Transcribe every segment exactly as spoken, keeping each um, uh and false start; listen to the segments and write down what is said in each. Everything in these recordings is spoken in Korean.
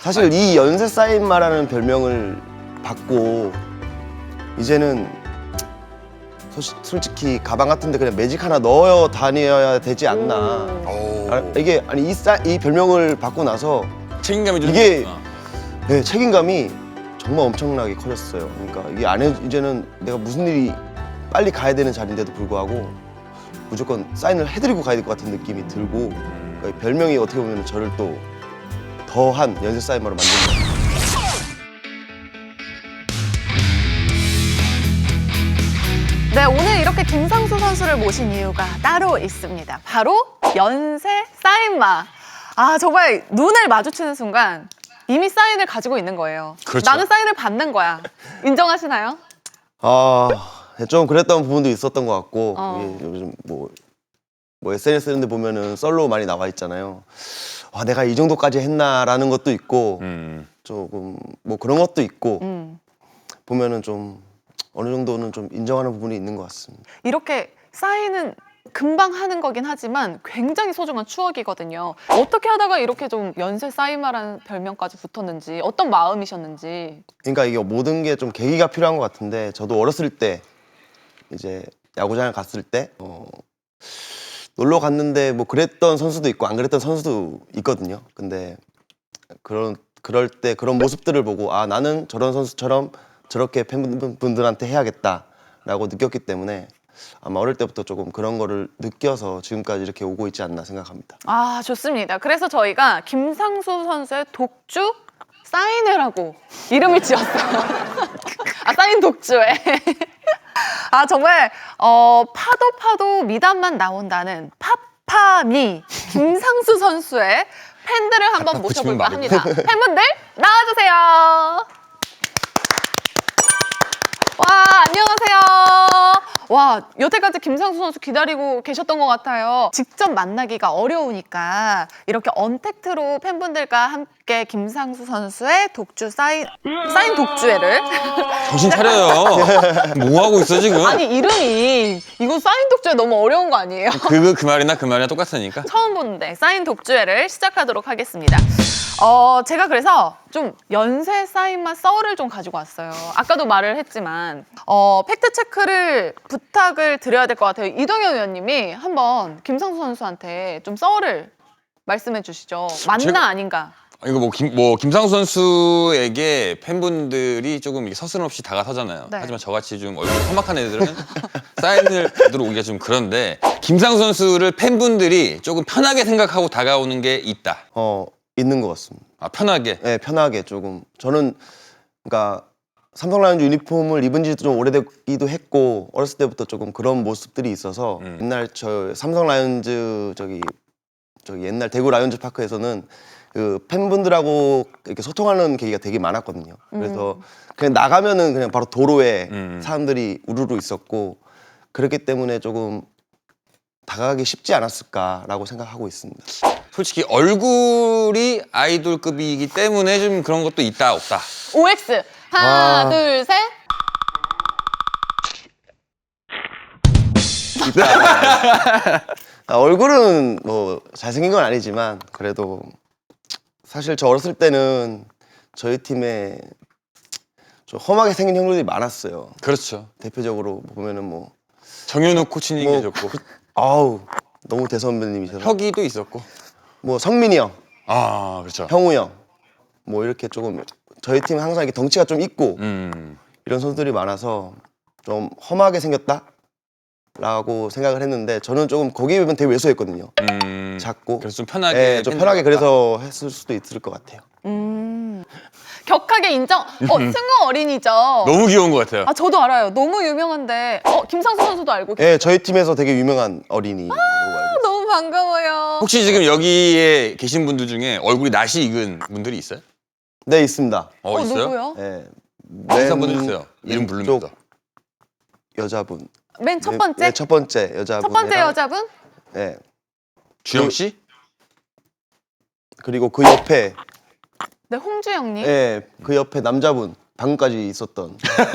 사실 이 연세 사인마라는 별명을 받고 이제는 소시, 솔직히 가방 같은데 그냥 매직 하나 넣어 다녀야 되지 않나. 오. 아, 이게 아니 이, 사, 이 별명을 받고 나서 책임감이 좀 이게 있구나. 네, 책임감이 정말 엄청나게 커졌어요. 그러니까 이게 안 해, 이제는 내가 무슨 일이 빨리 가야 되는 자리인데도 불구하고 무조건 사인을 해드리고 가야 될 것 같은 느낌이 들고 그러니까 이 별명이 어떻게 보면 저를 또 더한 연쇄 사인마로 만든 거예요. 네, 오늘 이렇게 김상수 선수를 모신 이유가 따로 있습니다. 바로 연세 사인마. 아, 정말 눈을 마주치는 순간 이미 사인을 가지고 있는 거예요. 그렇죠. 나는 사인을 받는 거야. 인정하시나요? 아, 좀 그랬던 부분도 있었던 것 같고 어. 이게 요즘 뭐, 뭐 에스엔에스 이런 데 보면은 썰로 많이 나와 있잖아요. 와, 내가 이 정도까지 했나라는 것도 있고 음. 조금 뭐 그런 것도 있고 음. 보면은 좀 어느 정도는 좀 인정하는 부분이 있는 것 같습니다. 이렇게 사인은 금방 하는 거긴 하지만 굉장히 소중한 추억이거든요. 어떻게 하다가 이렇게 좀 연세 사인마라는 별명까지 붙었는지, 어떤 마음이셨는지. 그러니까 이게 모든 게 좀 계기가 필요한 것 같은데 저도 어렸을 때 이제 야구장을 갔을 때 어, 놀러 갔는데 뭐 그랬던 선수도 있고 안 그랬던 선수도 있거든요. 근데 그런 그럴 때 그런 모습들을 보고 아 나는 저런 선수처럼 저렇게 팬분들한테 해야겠다라고 느꼈기 때문에 아마 어릴 때부터 조금 그런 거를 느껴서 지금까지 이렇게 오고 있지 않나 생각합니다. 아, 좋습니다. 그래서 저희가 김상수 선수의 독주 사인회라고 이름을 지었어요. 아, 사인 독주회. 아, 정말 어, 파도 파도 미담만 나온다는 파파미 김상수 선수의 팬들을 한번 붙이면 모셔볼까 말이네. 합니다. 팬분들 나와주세요. 와, 안녕하세요. 와, 여태까지 김상수 선수 기다리고 계셨던 것 같아요. 직접 만나기가 어려우니까 이렇게 언택트로 팬분들과 함께 김상수 선수의 독주 사인, 사인 독주회를. 정신 차려요. 뭐 하고 있어 지금? 아니, 이름이 이거 사인 독주회 너무 어려운 거 아니에요? 그, 그 말이나 그 말이나 똑같으니까. 처음 보는데 사인 독주회를 시작하도록 하겠습니다. 어, 제가 그래서 좀 연세 사인만 썰을 좀 가지고 왔어요. 아까도 말을 했지만 어, 팩트 체크를 부탁을 드려야 될 것 같아요. 이동현 의원님이 한번 김상수 선수한테 좀 썰을 말씀해 주시죠. 맞나 제가- 아닌가? 이거 뭐, 김, 뭐 김상수 선수에게 팬분들이 조금 이렇게 서슴없이 다가서잖아요. 네. 하지만 저같이 좀 얼굴이 험악한 애들은 사인을 받으러 오기가 좀 그런데 김상수 선수를 팬분들이 조금 편하게 생각하고 다가오는 게 있다. 어 있는 것 같습니다. 아 편하게. 네, 편하게 조금 저는 그러니까 삼성 라이온즈 유니폼을 입은 지도 좀 오래되기도 했고 어렸을 때부터 조금 그런 모습들이 있어서 음. 옛날 저 삼성 라이온즈 저기 저기 옛날 대구 라이온즈 파크에서는 그 팬분들하고 이렇게 소통하는 계기가 되게 많았거든요. 그래서 그냥 나가면은 그냥 바로 도로에 음. 사람들이 우르르 있었고 그렇기 때문에 조금 다가가기 쉽지 않았을까라고 생각하고 있습니다. 솔직히 얼굴이 아이돌급이기 때문에 좀 그런 것도 있다 없다. 오엑스 하나 아. 둘 셋. 아, 얼굴은 뭐 잘생긴 건 아니지만 그래도 사실 저 어렸을 때는 저희 팀에 좀 험하게 생긴 형들이 많았어요. 그렇죠. 대표적으로 보면은 뭐 정현우 코치님 뭐, 계셨고 아우 너무 대선배님이셔서 혁이도 있었고. 뭐 성민이 형, 아 그렇죠. 형우 형, 뭐 이렇게 조금 저희 팀 항상 이렇게 덩치가 좀 있고 음. 이런 선수들이 많아서 좀 험하게 생겼다라고 생각을 했는데 저는 조금 거기에 비하면 되게 왜소했거든요. 음. 작고 그래서 좀 편하게. 예, 좀 편하게 팬들과. 그래서 했을 수도 있을 것 같아요. 음. 격하게 인정. 어, 승우 어린이죠. 너무 귀여운 것 같아요. 아, 저도 알아요. 너무 유명한데. 어, 김상수 선수도 알고 계세요? 예, 저희 팀에서 되게 유명한 어린이. 아, 너무 반가워요. 혹시 지금 여기에 계신 분들 중에 얼굴이 낯이 익은 분들이 있어요? 네, 있습니다. 어, 어, 있어요? 누구요? 예. 인사 한번 해주세요. 이름 부릅니다. 왼쪽 여자분. 맨 첫 네, 번째? 네, 첫 번째 여자분. 첫 번째 여자분? 예. 주영 씨? 그리고 그 옆에 네, 홍주영님. 예, 그 옆에 남자분. 방금까지 있었던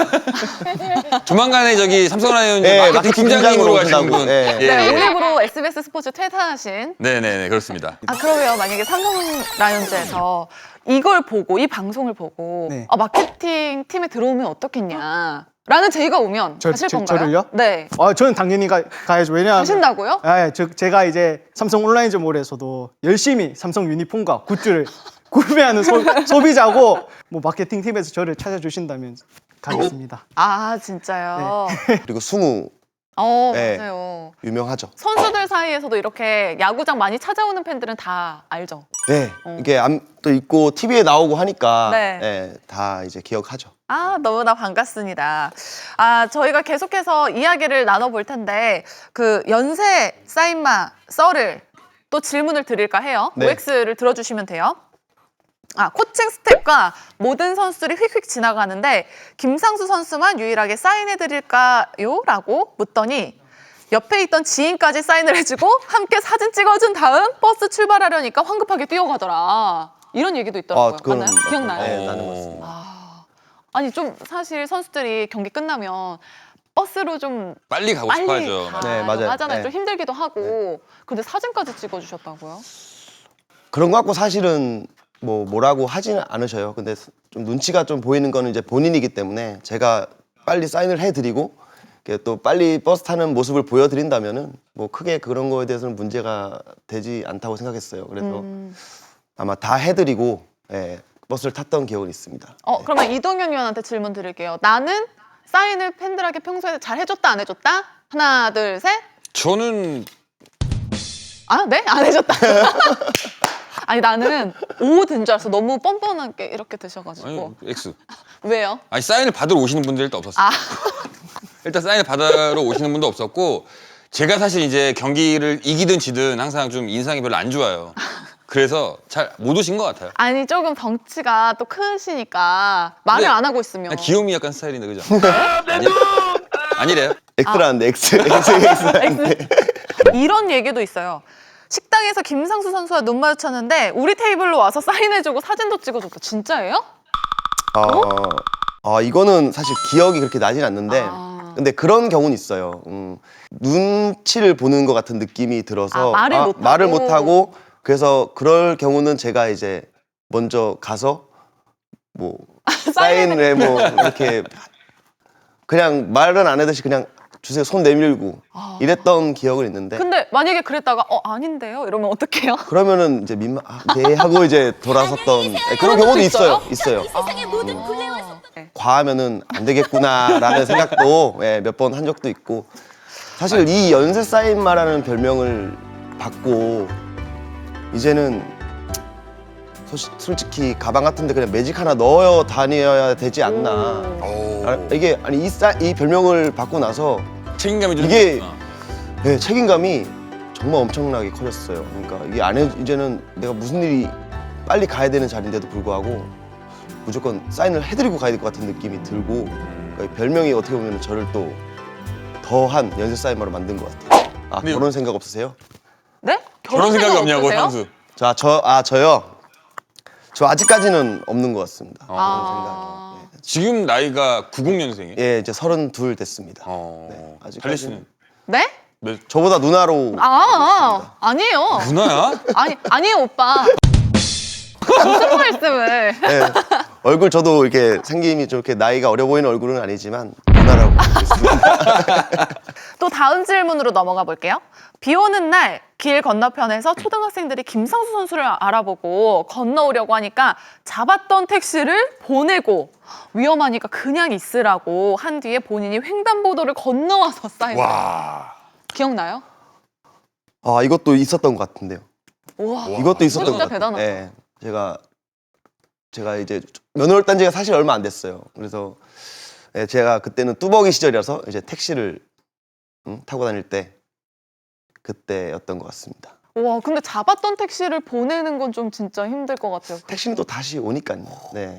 조만간에 저기 삼성라이온즈 네, 마케팅 마케팅 팀장님으로 팀장으로 가시는 오신다고. 분. 네. 예, 네, 예. 오늘부로 에스비에스 스포츠 퇴사하신. 네네네 그렇습니다. 아 그러면 만약에 삼성 라이온즈에서 이걸 보고 이 방송을 보고 네. 아, 마케팅 팀에 들어오면 어떻겠냐 라는 제의가 오면 저- 가실 저- 건가요? 저를요? 네. 아, 저는 당연히 가, 가야죠. 왜냐하면 가신다고요? 아, 예, 저, 제가 이제 삼성 온라인점몰에서도 열심히 삼성 유니폼과 굿즈를 구매하는 소, 소비자고 뭐 마케팅 팀에서 저를 찾아주신다면 가겠습니다. 아 진짜요? 그리고 승우 어 네. 맞아요. 유명하죠. 선수들 사이에서도 이렇게 야구장 많이 찾아오는 팬들은 다 알죠. 네, 어. 이게 또 있고 티비에 나오고 하니까 네. 네, 다 이제 기억하죠. 아, 너무나 반갑습니다. 아, 저희가 계속해서 이야기를 나눠볼 텐데, 그 연세 사인마 썰을 또 질문을 드릴까 해요. 네. 오엑스를 들어주시면 돼요. 아, 코칭 스텝과 모든 선수들이 휙휙 지나가는데, 김상수 선수만 유일하게 사인해드릴까요? 라고 묻더니, 옆에 있던 지인까지 사인을 해주고, 함께 사진 찍어준 다음 버스 출발하려니까 황급하게 뛰어가더라. 이런 얘기도 있더라고요. 그건 맞나요? 맞- 기억나요? 네, 나는 맞습니다. 아, 아니 좀 사실 선수들이 경기 끝나면 버스로 좀 빨리 가고 빨리 싶어하죠. 가 네, 맞아요. 하잖아요. 네. 좀 힘들기도 하고. 근데 사진까지 찍어주셨다고요? 그런 거 갖고 사실은 뭐 뭐라고 하지는 않으셔요. 근데 좀 눈치가 좀 보이는 거는 이제 본인이기 때문에 제가 빨리 사인을 해드리고 이렇게 또 빨리 버스 타는 모습을 보여드린다면은 뭐 크게 그런 거에 대해서는 문제가 되지 않다고 생각했어요. 그래서 음. 아마 다 해드리고 예, 버스를 탔던 기억은 있습니다. 어 그러면 이동현 위원한테 질문 드릴게요. 나는 사인을 팬들에게 평소에 잘 해줬다 안 해줬다? 하나 둘 셋. 저는 아 네? 안 해줬다. 아니 나는 오 든 줄 알았어. 너무 뻔뻔하게 이렇게 드셔가지고. 아니 X. 왜요? 아니 사인을 받으러 오시는 분들 일단 없었어요. 아 일단 사인을 받으러 오시는 분도 없었고 제가 사실 이제 경기를 이기든 지든 항상 좀 인상이 별로 안 좋아요. 그래서 잘 못 오신 것 같아요. 아니 조금 덩치가 또 크시니까 말을 근데 안 하고 있으면. 그냥 귀요미 약간 스타일인데 그죠? 아니, 아니래요? X라는데 X, X, X라는데. 이런 얘기도 있어요. 식당에서 김상수 선수와 눈 마주쳤는데 우리 테이블로 와서 사인해주고 사진도 찍어줬다. 진짜예요? 어, 어, 이거는 사실 기억이 그렇게 나진 않는데 아. 근데 그런 경우는 있어요. 음, 눈치를 보는 것 같은 느낌이 들어서 아, 말을 못하고. 말을 못하고 그래서 그럴 경우는 제가 이제 먼저 가서 뭐 사인을 뭐 이렇게 그냥 말은 안 하듯이 그냥 주세요 손 내밀고 아. 이랬던 기억은 있는데 근데 만약에 그랬다가 어 아닌데요? 이러면 어떡해요? 그러면은 이제 민망 아, 네 하고 이제 돌아섰던 네, 그런 그런 경우도 것도 있어요. 있어요? 있어요. 세상의 모든 굴레와 네. 과하면은 안 되겠구나라는 생각도 예, 몇 번 한 적도 있고 사실 이 연세 사인마라는 별명을 받고 이제는 소시- 솔직히 가방 같은데 그냥 매직 하나 넣어 다녀야 되지 않나. 오. 아, 이게 아니 이, 사, 이 별명을 받고 나서 책임감이 좀 이게- 있구나. 예, 책임감이 정말 엄청나게 커졌어요. 그러니까 이게 안 해, 이제는 내가 무슨 일이 빨리 가야 되는 자리인데도 불구하고 무조건 사인을 해드리고 가야 될 것 같은 느낌이 들고 그러니까 이 별명이 어떻게 보면 저를 또 더한 연쇄 사인마로 만든 것 같아요. 아 근데- 그런 생각 없으세요? 네? 그런 생각이 없냐고 없으세요? 상수. 자, 저, 아 저요. 저 아직까지는 없는 것 같습니다. 그런 아. 생각. 지금 나이가 구십 년생이에요? 예, 이제 서른둘 됐습니다. 어. 네, 아직까지는- 달리 씨는 네? 몇 저보다 누나로. 아, 아 아니에요. 누나야? 아니 아니에요 오빠. 무슨 말씀을? 예, 얼굴 저도 이렇게 생김이 좀 이렇게 나이가 어려 보이는 얼굴은 아니지만 누나라고 부르고 있습니다. 또 다음 질문으로 넘어가 볼게요. 비 오는 날 길 건너편에서 초등학생들이 김상수 선수를 알아보고 건너오려고 하니까 잡았던 택시를 보내고 위험하니까 그냥 있으라고 한 뒤에 본인이 횡단보도를 건너와서 사인. 와. 기억나요? 아 이것도 있었던 것 같은데요. 우와. 이것도 있었던 진짜 것 같아요. 대단하다. 예, 제가 제가 이제 면허를 딴 지가 사실 얼마 안 됐어요. 그래서 예, 제가 그때는 뚜벅이 시절이라서 이제 택시를 음, 타고 다닐 때 그때였던 것 같습니다. 와 근데 잡았던 택시를 보내는 건 좀 진짜 힘들 것 같아요. 택시는 또 다시 오니까요. 네.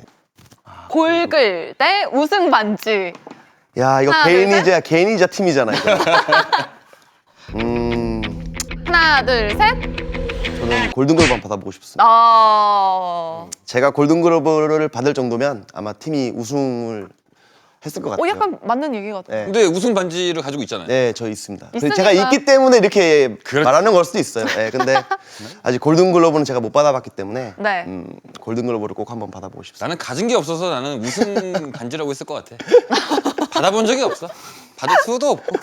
골글 대 우승 반지. 야 이거 하나, 둘, 개인이자 개인이자 팀이잖아 이거. 음 하나 둘 셋. 저는 골든글러브 한번 받아보고 싶습니다. 아, 제가 골든글러브를 받을 정도면 아마 팀이 우승을 했을 것 같아요. 어 약간 맞는 얘기 같아요. 네. 근데 우승 반지를 가지고 있잖아요. 네, 저 있습니다. 그래서 있으니까. 제가 있기 때문에 이렇게 그렇지. 말하는 걸 수도 있어요. 네, 근데 아직 골든글러브는 제가 못 받아봤기 때문에 네. 음, 골든글러브를 꼭 한번 받아보고 싶습니다. 나는 가진 게 없어서 나는 우승 반지라고 했을 것 같아. 받아본 적이 없어. 받을 수도 없고.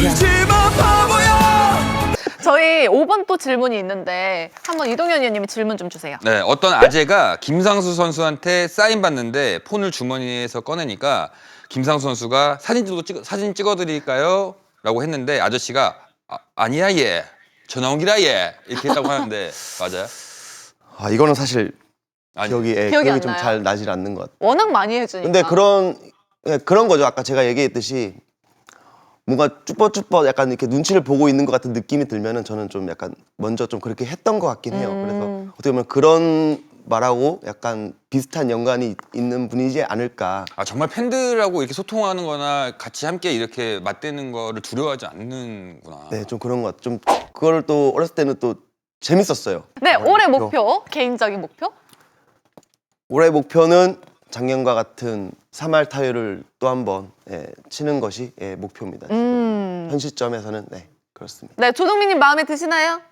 저희 오 번 또 질문이 있는데 한번 이동현 위원님이 질문 좀 주세요. 네, 어떤 아재가 김상수 선수한테 사인 받는데 폰을 주머니에서 꺼내니까 김상수 선수가 사진 도 찍 사진 찍어드릴까요? 라고 했는데 아저씨가 아, 아니야 얘 전화 온기라 얘 이렇게 했다고 하는데 맞아요? 아, 이거는 사실 아니. 기억이, 예, 기억이 기억이 안 좀 나요? 잘 나질 않는 것 같아요. 워낙 많이 해주니까. 근데 그런 예, 그런 거죠. 아까 제가 얘기했듯이 뭔가 쭈뼛쭈뼛 약간 이렇게 눈치를 보고 있는 것 같은 느낌이 들면은 저는 좀 약간 먼저 좀 그렇게 했던 것 같긴 해요. 음. 그래서 어떻게 보면 그런 말하고 약간 비슷한 연관이 있는 분이지 않을까. 아 정말 팬들하고 이렇게 소통하는 거나 같이 함께 이렇게 맞대는 거를 두려워하지 않는구나. 네, 좀 그런 것 같아요. 좀 그걸 또 어렸을 때는 또 재밌었어요. 네, 올해 목표. 목표, 개인적인 목표? 올해 목표는 작년과 같은 삼 할 타율을 또 한 번 예, 치는 것이 예, 목표입니다. 지금. 음. 현 시점에서는 네, 그렇습니다. 네, 조동민님 마음에 드시나요?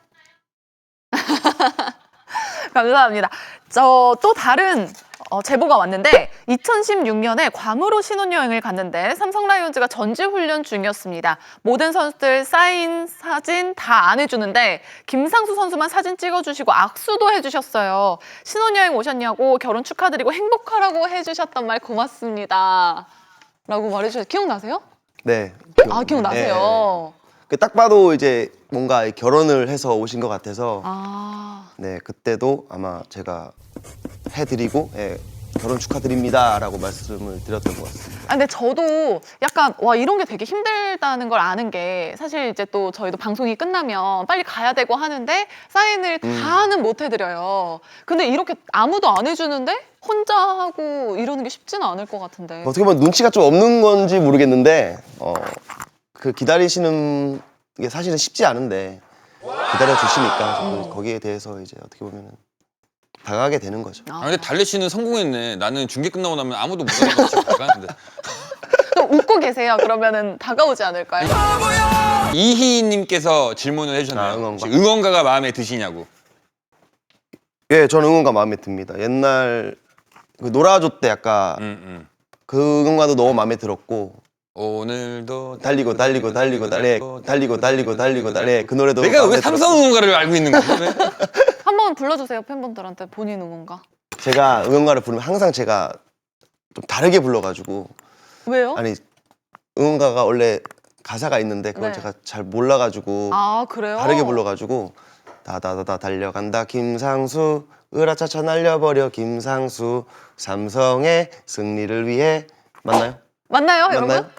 감사합니다. 저 또 다른 어, 제보가 왔는데 이천십육 년에 괌으로 신혼여행을 갔는데 삼성 라이온즈가 전지훈련 중이었습니다. 모든 선수들 사인, 사진 다 안 해주는데 김상수 선수만 사진 찍어주시고 악수도 해주셨어요. 신혼여행 오셨냐고 결혼 축하드리고 행복하라고 해주셨던 말 고맙습니다. 라고 말해주셨어요. 기억나세요? 네. 아, 기억나세요? 그 딱 봐도 이제 뭔가 결혼을 해서 오신 것 같아서 아, 네 그때도 아마 제가 해드리고 예, 결혼 축하드립니다라고 말씀을 드렸던 것 같습니다. 아, 근데 저도 약간 와 이런 게 되게 힘들다는 걸 아는 게 사실 이제 또 저희도 방송이 끝나면 빨리 가야 되고 하는데 사인을 다는 못 해드려요. 근데 이렇게 아무도 안 해주는데 혼자 하고 이러는 게 쉽지는 않을 것 같은데. 어떻게 보면 눈치가 좀 없는 건지 모르겠는데 어, 그 기다리시는 게 사실은 쉽지 않은데 기다려 주시니까 저도 거기에 대해서 이제 어떻게 보면은 다가가게 되는 거죠. 아, 근데 달래 씨는 성공했네. 나는 중계 끝나고 나면 아무도 못 알아보고 나가는데. 또 웃고 계세요. 그러면은 다가오지 않을까요? 이희님께서 질문을 해주셨나요? 아, 응원가. 혹시 응원가가 마음에 드시냐고. 예, 저는 응원가 마음에 듭니다. 옛날 그 놀아줘 때 약간 음, 음. 그 응원가도 너무 마음에 들었고 오늘도 달리고 달리고 달리고 달리고 달리고 달리고 달리고 달리고 그 노래도 내가 마음에 왜 삼성 들었고. 응원가를 알고 있는 거야? 왜? 한번 불러주세요 팬분들한테 본인 응원가. 제가 응원가를 부르면 항상 제가 좀 다르게 불러가지고 왜요? 아니 응원가가 원래 가사가 있는데 그걸 네. 제가 잘 몰라가지고 아 그래요? 다르게 불러가지고 다다다다 달려간다 김상수 으라차차 날려버려 김상수 삼성의 승리를 위해 맞나요? 맞나요, 여러분? 맞나요?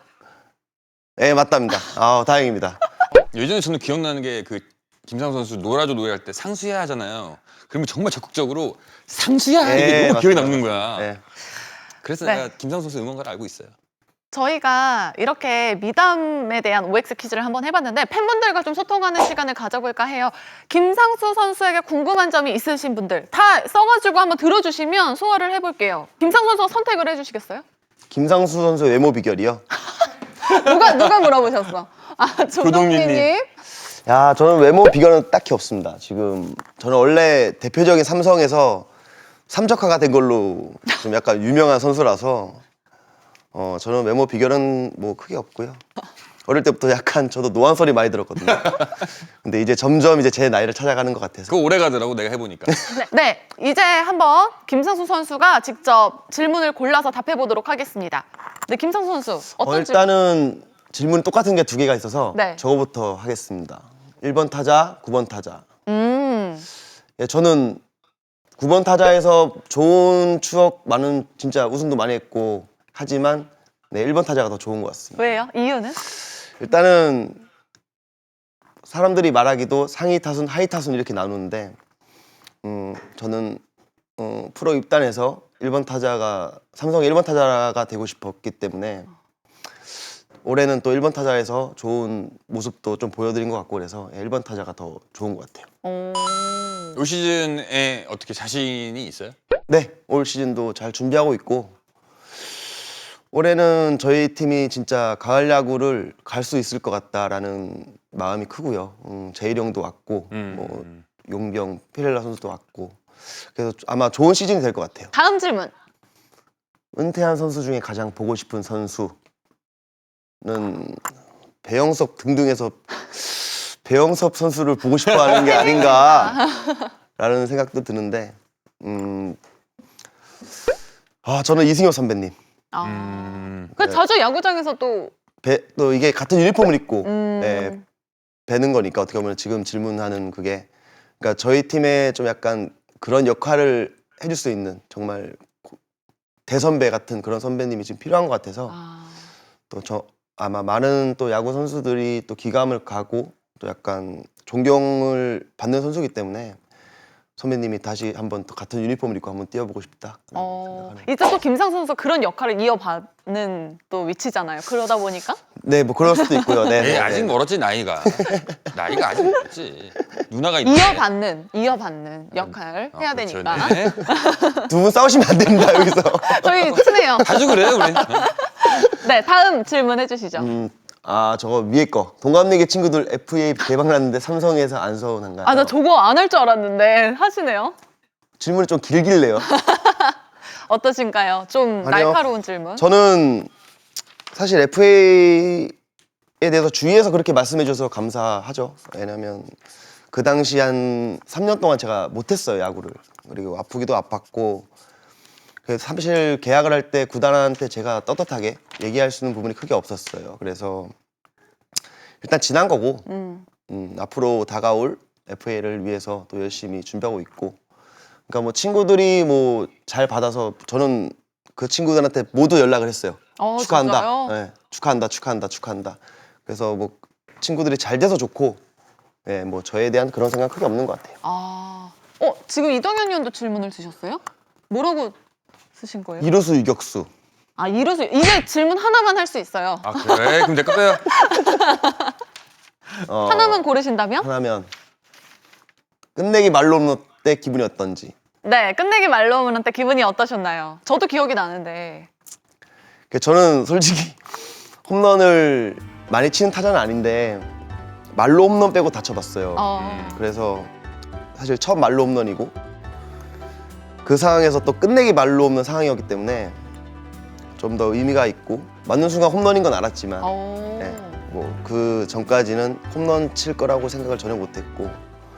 네 맞답니다. 아 다행입니다. 예전에 저는 기억나는 게 그 김상수 선수 놀아줘 노래할 때 상수야 하잖아요. 그러면 정말 적극적으로 상수야 이게 네, 너무 기억에 맞습니다. 남는 거야. 네. 그래서 네. 내가 김상수 선수 응원가를 알고 있어요. 저희가 이렇게 미담에 대한 오엑스 퀴즈를 한번 해봤는데 팬분들과 좀 소통하는 시간을 가져볼까 해요. 김상수 선수에게 궁금한 점이 있으신 분들 다 써가지고 한번 들어주시면 소화를 해볼게요. 김상수 선수가 선택을 해주시겠어요? 김상수 선수의 외모 비결이요? 누가 누가 물어보셨어? 아 조동민님. 조동민님. 야 저는 외모 비결은 딱히 없습니다. 지금 저는 원래 대표적인 삼성에서 삼적화가 된 걸로 좀 약간 유명한 선수라서 어 저는 외모 비결은 뭐 크게 없고요. 어릴 때부터 약간 저도 노안 소리 많이 들었거든요. 근데 이제 점점 이제 제 나이를 찾아가는 것 같아서 그거 오래 가더라고 내가 해보니까. 네, 네, 이제 한번 김상수 선수가 직접 질문을 골라서 답해보도록 하겠습니다. 네, 김상수 선수 어떤 어, 질문? 일단은 질문 똑같은 게 두 개가 있어서 네. 저거부터 하겠습니다. 일 번 타자, 구 번 타자. 음, 예, 저는 구 번 타자에서 좋은 추억 많은 진짜 우승도 많이 했고 하지만 네, 일 번 타자가 더 좋은 것 같습니다. 왜요? 이유는? 일단은 사람들이 말하기도 상위 타순, 하위 타순 이렇게 나누는데 음, 저는 어, 프로 입단해서 일 번 타자가 삼성의 일 번 타자가 되고 싶었기 때문에 올해는 또 일 번 타자에서 좋은 모습도 좀 보여드린 것 같고 그래서 일 번 타자가 더 좋은 것 같아요. 오. 올 시즌에 어떻게 자신이 있어요? 네, 올 시즌도 잘 준비하고 있고 올해는 저희 팀이 진짜 가을 야구를 갈 수 있을 것 같다라는 마음이 크고요. 음, 제일 형도 왔고 음. 뭐 용병, 피렐라 선수도 왔고 그래서 아마 좋은 시즌이 될 것 같아요. 다음 질문. 은퇴한 선수 중에 가장 보고 싶은 선수는 배영섭 등등해서 배영섭 선수를 보고 싶어하는 게 아닌가라는 생각도 드는데 음, 아 저는 이승엽 선배님. 아. 음. 그 자주 야구장에서 또 배, 또 이게 같은 유니폼을 입고 음. 네, 뵈는 거니까 어떻게 보면 지금 질문하는 그게 그러니까 저희 팀에 좀 약간 그런 역할을 해줄 수 있는 정말 고- 대선배 같은 그런 선배님이 지금 필요한 것 같아서 아. 또 저 아마 많은 또 야구 선수들이 또 기감을 가고 또 약간 존경을 받는 선수이기 때문에 선배님이 다시 한번 또 같은 유니폼을 입고 한번 뛰어보고 싶다. 어, 이제 또 김상수 선수 그런 역할을 이어받는 또 위치잖아요. 그러다 보니까 네, 뭐 그럴 수도 있고요. 네, 에이, 네, 아직 네. 멀었지 나이가. 나이가 아직 멀었지. 누나가 있네. 이어받는 이어받는 역할 어, 해야 그렇죠. 되니까. 네. 두 분 싸우시면 안 됩니다 여기서. 저희 친해요. 자주 그래요 우리. 네, 다음 질문 해주시죠. 음, 아 저거 위에 거 동갑내기 친구들 에프에이 대박 났는데 삼성에서 안 서운한가요? 아, 나 저거 안 할 줄 알았는데 하시네요. 질문이 좀 길길래요. 어떠신가요? 좀 아니요. 날카로운 질문. 저는 사실 에프에이에 대해서 주위에서 그렇게 말씀해 주셔서 감사하죠. 왜냐면 그 당시 한 삼 년 동안 제가 못했어요 야구를. 그리고 아프기도 아팠고 그래서 사실 계약을 할 때 구단한테 제가 떳떳하게 얘기할 수 있는 부분이 크게 없었어요. 그래서 일단 지난 거고 음. 음, 앞으로 다가올 에프에이를 위해서 또 열심히 준비하고 있고 그러니까 뭐 친구들이 뭐 잘 받아서 저는 그 친구들한테 모두 연락을 했어요. 어, 축하한다. 진짜요? 네, 축하한다. 축하한다. 축하한다. 그래서 뭐 친구들이 잘 돼서 좋고 예, 뭐 저에 대한 그런 생각 크게 없는 것 같아요. 아, 어 지금 이동현 의원도 질문을 주셨어요? 뭐라고 쓰신 거예요? 이루수 유격수. 아, 이루수 이제 질문 하나만 할 수 있어요. 아 그래? 그럼 내거 빼요. 어, 하나만 고르신다면? 하나면 끝내기 말로 없는 때 기분이 어떤지. 네, 끝내기 말로우먼 때 기분이 어떠셨나요? 저도 기억이 나는데. 그 저는 솔직히 홈런을 많이 치는 타자는 아닌데 말로 홈런 빼고 다 쳐봤어요. 어. 그래서 사실 첫 말로 홈런이고 그 상황에서 또 끝내기 말로 없는 상황이었기 때문에 좀 더 의미가 있고 맞는 순간 홈런인 건 알았지만 어. 네, 뭐 그 전까지는 홈런 칠 거라고 생각을 전혀 못했고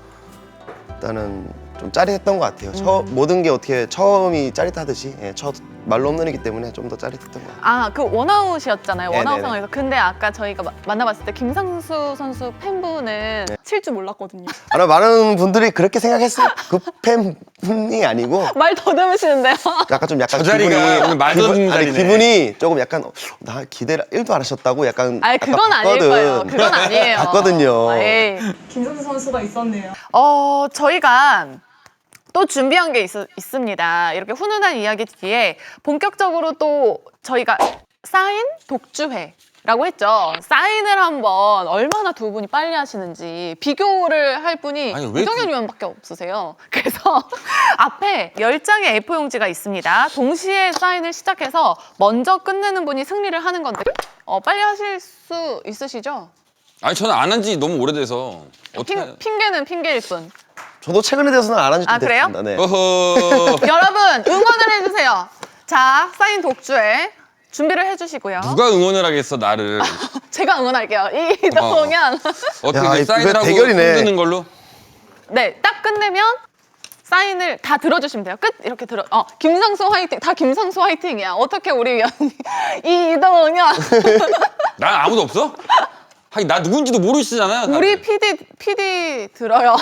일단은 좀 짜릿했던 것 같아요. 처, 음. 모든 게 어떻게 처음이 짜릿하듯이 예, 첫 말로 홈런이기 때문에 좀 더 짜릿했던 것 같아요. 아, 그 원아웃이었잖아요. 네, 원아웃 네, 네. 상황에서. 근데 아까 저희가 마- 만나봤을 때 김상수 선수 팬분은 네. 칠 줄 몰랐거든요. 아마 많은 분들이 그렇게 생각했을 그 팬분이 아니고 말 더듬으시는데요. 약간 좀 약간 저 자리가 기분이 오늘 말 기분- 더듬는 아니, 자리네. 기분이 조금 약간 어, 나 기대를 일도 안 하셨다고 약간 아니, 약간 그건 아닐 봤거든. 거예요. 그건 아니에요. 봤거든요. 에이. 김선수 선수가 있었네요. 어, 저희가 또 준비한 게 있, 있습니다. 이렇게 훈훈한 이야기 뒤에 본격적으로 또 저희가 사인 독주회라고 했죠. 사인을 한번 얼마나 두 분이 빨리 하시는지 비교를 할 분이 아니, 왜 이동현 그- 의원밖에 없으세요. 그래서 앞에 열 장의 에이포 용지가 있습니다. 동시에 사인을 시작해서 먼저 끝내는 분이 승리를 하는 건데 어, 빨리 하실 수 있으시죠? 아니 저는 안 한 지 너무 오래돼서 어떻게? 핑, 핑계는 핑계일 뿐. 저도 최근에 대해서는 안 한지 좀 아, 그래요? 됐습니다. 네. 어허. 여러분 응원을 해주세요. 자, 사인 독주회 준비를 해주시고요. 누가 응원을 하겠어 나를? 제가 응원할게요. 이동현. 어떻게 야, 그 이거 사인을 하고 대결이네. 흔드는 걸로? 네, 딱 끝내면 사인을 다 들어주시면 돼요. 끝 이렇게 들어. 어, 김상수 화이팅. 다 김상수 화이팅이야. 어떻게 우리 위원님 이동현. 난 아무도 없어? 하긴 나 누군지도 모르시잖아요. 우리 피디 피디 들어요.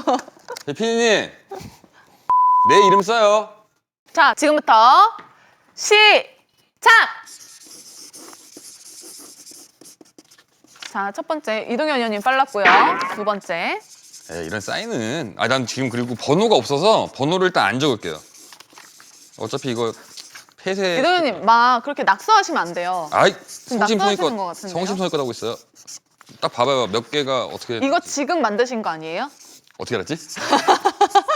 피디님 내 이름 써요. 자, 지금부터 시작. 자, 첫 번째 이동현 의원님 빨랐고요. 두 번째. 에이, 이런 사인은 아 난 지금 그리고 번호가 없어서 번호를 일단 안 적을게요. 어차피 이거 폐쇄. 이동현님 막 그렇게 낙서하시면 안 돼요. 아이 지금 성심성의껏 낙서하시는 것 같은데요? 성심성의껏 하고 있어요. 딱 봐봐요 몇 개가 어떻게 이거 지금 만드신 거 아니에요? 어떻게 알았지?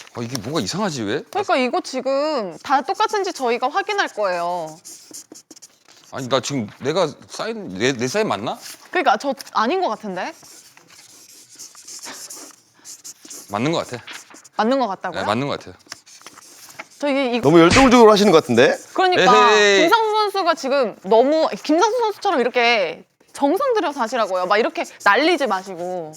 아, 이게 뭐가 이상하지 왜? 그러니까 이거 지금 다 똑같은지 저희가 확인할 거예요. 아니 나 지금 내가 사인 내, 내 사인 맞나? 그러니까 저 아닌 것 같은데? 맞는 것 같아. 맞는 것 같다고요? 네, 맞는 것 같아요. 저 이게 이, 너무 열정적으로 하시는 것 같은데? 그러니까 에헤이. 김상수 선수가 지금 너무 김상수 선수처럼 이렇게 정성 들여서 하시라고요. 막 이렇게 날리지 마시고.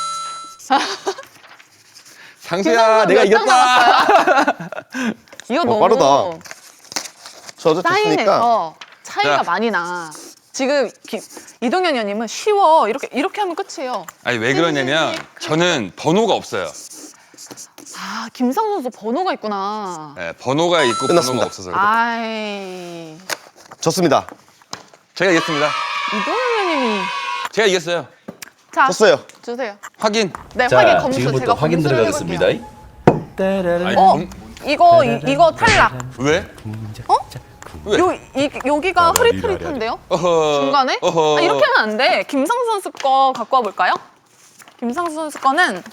상수야 김상수 내가 몇장 이겼다. 이거 어, 너무 빠르다. 저도 졌으니까. 사인에서 차이가 자. 많이 나. 지금 기, 이동현 의원님은 쉬워. 이렇게 이렇게 하면 끝이에요. 아니 왜 그러냐면 저는 번호가 없어요. 아 김상수 선수 번호가 있구나. 네, 번호가 있고 끝났습니다. 번호가 없어서 그래. 아이 졌습니다. 제가 이겼습니다. 이동현 의원님이 제가 이겼어요. 자 졌어요. 주세요. 확인. 네 확인 자, 검수 지금부터 제가 확인 검수를 들어가겠습니다. 해볼게요. 아니, 어 검- 이거 이, 이거 탈락. 왜? 어? 왜? 요 이, 여기가 흐릿흐릿한데요? 어허. 중간에? 어허. 아, 이렇게 하면 안 돼. 김상수 선수 거 갖고 와 볼까요? 김상수 선수 거는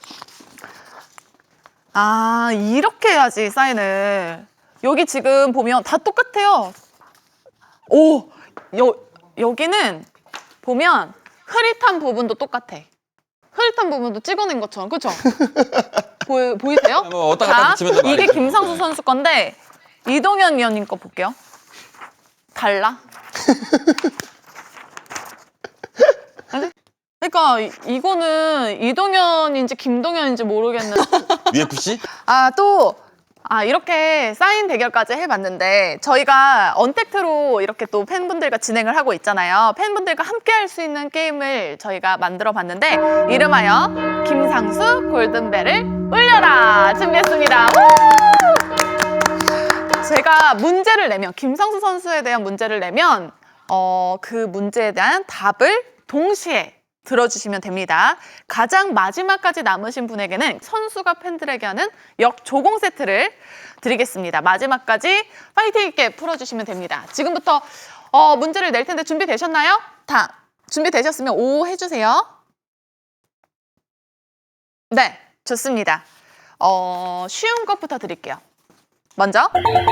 아 이렇게 해야지 사인을. 여기 지금 보면 다 똑같아요. 오, 여, 여기는 보면 흐릿한 부분도 똑같아. 흐릿한 부분도 찍어낸 것처럼, 그렇죠? 보이, 보이세요? 뭐 왔다 갔다 자, 붙이면 또 이게 말이죠. 김상수 선수 건데 이동현 위원님 거 볼게요. 달라? 아니, 그러니까 이- 이거는 이동현인지 김동현인지 모르겠는. 유에프씨? 아, 또, 아, 이렇게 사인 대결까지 해봤는데, 저희가 언택트로 이렇게 또 팬분들과 진행을 하고 있잖아요. 팬분들과 함께 할 수 있는 게임을 저희가 만들어 봤는데, 이름하여 김상수 골든벨을 울려라! 준비했습니다. 우! 제가 문제를 내면, 김상수 선수에 대한 문제를 내면, 어, 그 문제에 대한 답을 동시에 들어주시면 됩니다. 가장 마지막까지 남으신 분에게는 선수가 팬들에게 하는 역조공 세트를 드리겠습니다. 마지막까지 파이팅 있게 풀어주시면 됩니다. 지금부터 어, 문제를 낼 텐데 준비되셨나요? 다 준비되셨으면 오 해주세요. 네, 좋습니다. 어, 쉬운 것부터 드릴게요. 먼저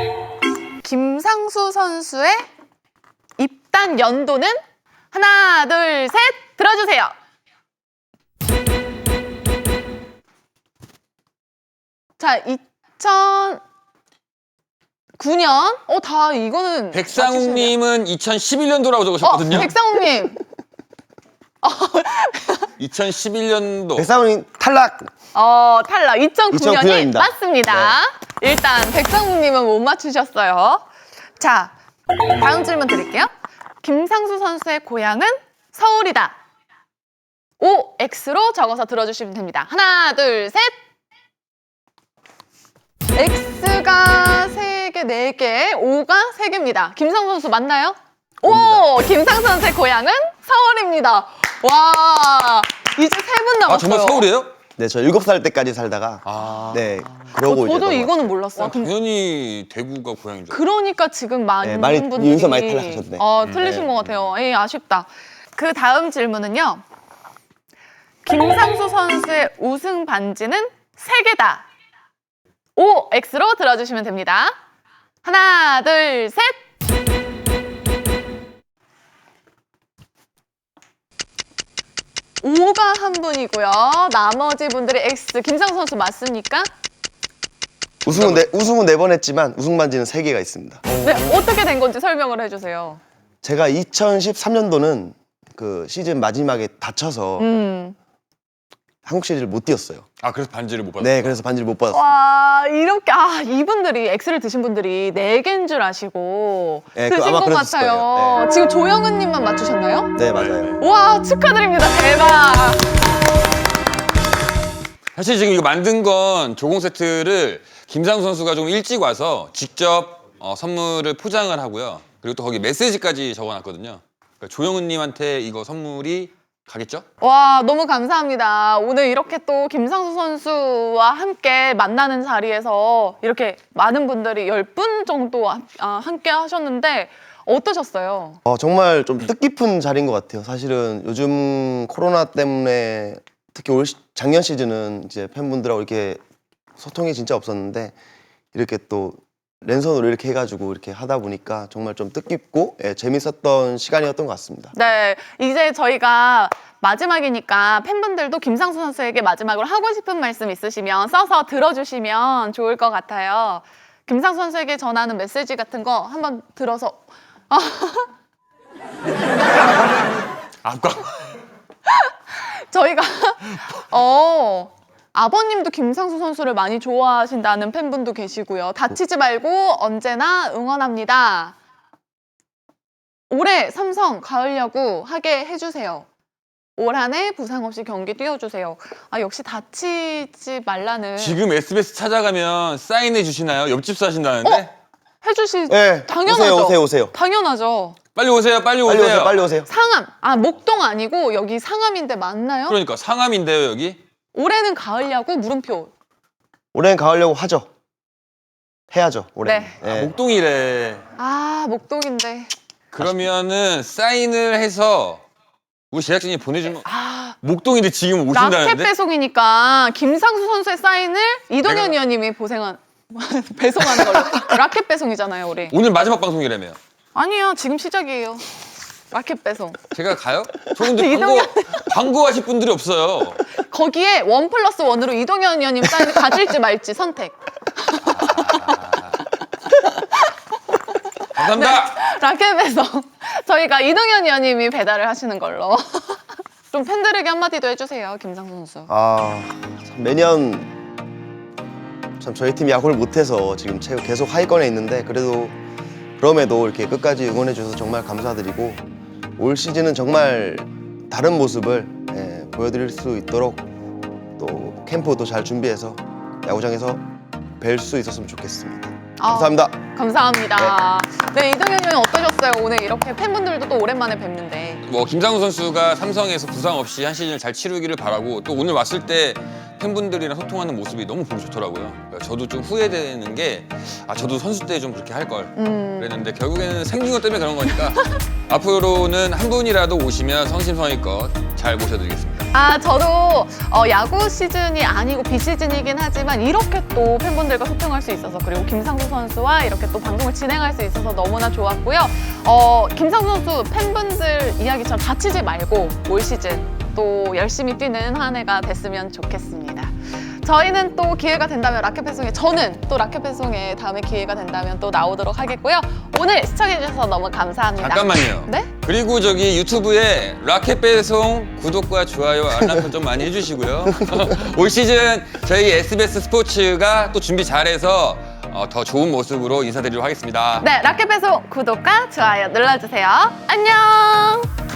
김상수 선수의 입단 연도는 하나, 둘, 셋 들어주세요. 자, 이천구 년. 어, 다 이거는 백상욱님은 이천십일 년도라고 맞추시네요. 적으셨거든요. 어, 백상욱님. 이천십일 년도. 백상훈이 탈락. 어, 탈락. 이천구 년이 이천구 년입니다. 맞습니다. 일단 백상욱님은 못 맞추셨어요. 자, 다음 질문 드릴게요. 김상수 선수의 고향은 서울이다. O, X로 적어서 들어주시면 됩니다. 하나, 둘, 셋. X가 세 개, 네 개, O가 세 개입니다. 김상수 선수 맞나요? 오, 김상수 선수의 고향은 서울입니다. 와, 이제 세 분 남았어요. 아 정말 서울이에요? 네, 저 일곱 살 때까지 살다가 아. 네, 어, 그러고 이제 저도 넘어갔어요. 이거는 몰랐어요. 근데 당연히 대구가 고향인 줄. 알았어요. 그러니까 지금 많은 네, 많이- 분들이 여기서 많이 탈락하셨네. 어, 틀리신 네. 것 같아요. 에이, 아쉽다. 그 다음 질문은요. 김상수 선수의 우승 반지는 세 개다. O, X로 들어주시면 됩니다. 하나, 둘, 셋. O가 한 분이고요. 나머지 분들이 X. 김상수 선수 맞습니까? 우승은 네, 우승은 네 번 했지만 우승 반지는 세 개가 있습니다. 네, 어떻게 된 건지 설명을 해주세요. 제가 이천십삼 년도는 그 시즌 마지막에 다쳐서 음. 한국 시리즈를 못 뛰었어요. 아 그래서 반지를 못 받았어. 네, 그래서 반지를 못 받았어요. 와 이렇게 아 이분들이 X를 드신 분들이 네 개인 줄 아시고 네, 그 드신 아마 것 그랬을 같아요. 거예요. 네. 지금 조영은님만 맞추셨나요? 네, 맞아요. 와 축하드립니다. 대박. 사실 지금 이거 만든 건 조공 세트를 김상수 선수가 좀 일찍 와서 직접 어, 선물을 포장을 하고요. 그리고 또 거기 메시지까지 적어놨거든요. 그러니까 조영은님한테 이거 선물이 가겠죠? 와 너무 감사합니다. 오늘 이렇게 또 김상수 선수와 함께 만나는 자리에서 이렇게 많은 분들이 열 분 정도 아, 함께 하셨는데 어떠셨어요? 어, 정말 좀 뜻깊은 자리인 것 같아요. 사실은 요즘 코로나 때문에 특히 올 시- 작년 시즌은 이제 팬분들하고 이렇게 소통이 진짜 없었는데 이렇게 또 랜선으로 이렇게 해가지고 이렇게 하다 보니까 정말 좀 뜻깊고 예, 재밌었던 시간이었던 것 같습니다. 네, 이제 저희가 마지막이니까 팬분들도 김상수 선수에게 마지막으로 하고 싶은 말씀 있으시면 써서 들어주시면 좋을 것 같아요. 김상수 선수에게 전하는 메시지 같은 거 한번 들어서 아까 저희가 어 아버님도 김상수 선수를 많이 좋아하신다는 팬분도 계시고요. 다치지 말고 언제나 응원합니다. 올해 삼성 가을 야구 하게 해주세요. 올 한 해 부상 없이 경기 뛰어주세요. 아 역시 다치지 말라는. 지금 에스비에스 찾아가면 사인해 주시나요? 옆집 사신다는데? 해주시. 예, 당연하죠. 오세요, 오세요, 오세요. 당연하죠. 빨리 오세요, 빨리 오세요. 빨리 오세요, 빨리 오세요. 상암. 아 목동 아니고 여기 상암인데 맞나요? 그러니까 상암인데요, 여기? 올해는 가을 야구 물음표. 올해는 가려고 하죠. 해야죠, 올해. 네. 예. 목동이래. 아 목동인데. 그러면은 사인을 해서 우리 제작진이 보내주면 아 목동인데 지금 라켓 오신다는데? 배송이니까 김상수 선수의 사인을 이동현 내가- 위원님이 보생한 배송하는 걸로. 라켓 배송이잖아요, 우리. 오늘 마지막 방송이라며요. 아니요, 지금 시작이에요. 라켓 배송. 제가 가요? 저 근데 광고, 광고하실 분들이 없어요. 거기에 원 플러스 원으로 이동현 위원님 사인을 가질지 말지 선택. 감사합니다. 라켓 배송. 저희가 이동현 위원님이 배달을 하시는 걸로. 좀 팬들에게 한마디도 해주세요, 김상수 선수. 아, 참 매년 참 저희 팀이 야구를 못해서 지금 최- 계속 하위권에 있는데 그래도 그럼에도 이렇게 끝까지 응원해 주셔서 정말 감사드리고 올 시즌은 정말 다른 모습을 예, 보여드릴 수 있도록 또 캠프도 잘 준비해서 야구장에서 뵐 수 있었으면 좋겠습니다. 아, 감사합니다. 감사합니다. 네, 이동현 위원님 어떠셨어요? 오늘 이렇게 팬분들도 또 오랜만에 뵙는데. 뭐 김상우 선수가 삼성에서 부상 없이 한 시즌을 잘 치르기를 바라고 또 오늘 왔을 때 팬분들이랑 소통하는 모습이 너무 보기 좋더라고요. 그러니까 저도 좀 후회되는 게 아 저도 선수 때 좀 그렇게 할 걸 음. 그랬는데 결국에는 생긴 것 때문에 그런 거니까 앞으로는 한 분이라도 오시면 성심성의껏 잘 모셔드리겠습니다. 아, 저도 어, 야구 시즌이 아니고 비시즌이긴 하지만 이렇게 또 팬분들과 소통할 수 있어서 그리고 김상수 선수와 이렇게 또 방송을 진행할 수 있어서 너무나 좋았고요. 어, 김상수 선수 팬분들 이야기처럼 다치지 말고 올 시즌 또 열심히 뛰는 한 해가 됐으면 좋겠습니다. 저희는 또 기회가 된다면 라켓 배송에 저는 또 라켓 배송에 다음에 기회가 된다면 또 나오도록 하겠고요. 오늘 시청해주셔서 너무 감사합니다. 잠깐만요. 네? 그리고 저기 유튜브에 라켓 배송 구독과 좋아요 알람 설정 많이 해주시고요. 올 시즌 저희 에스비에스 스포츠가 또 준비 잘해서 어, 더 좋은 모습으로 인사드리도록 하겠습니다. 네, 라켓 배송 구독과 좋아요 눌러주세요. 안녕!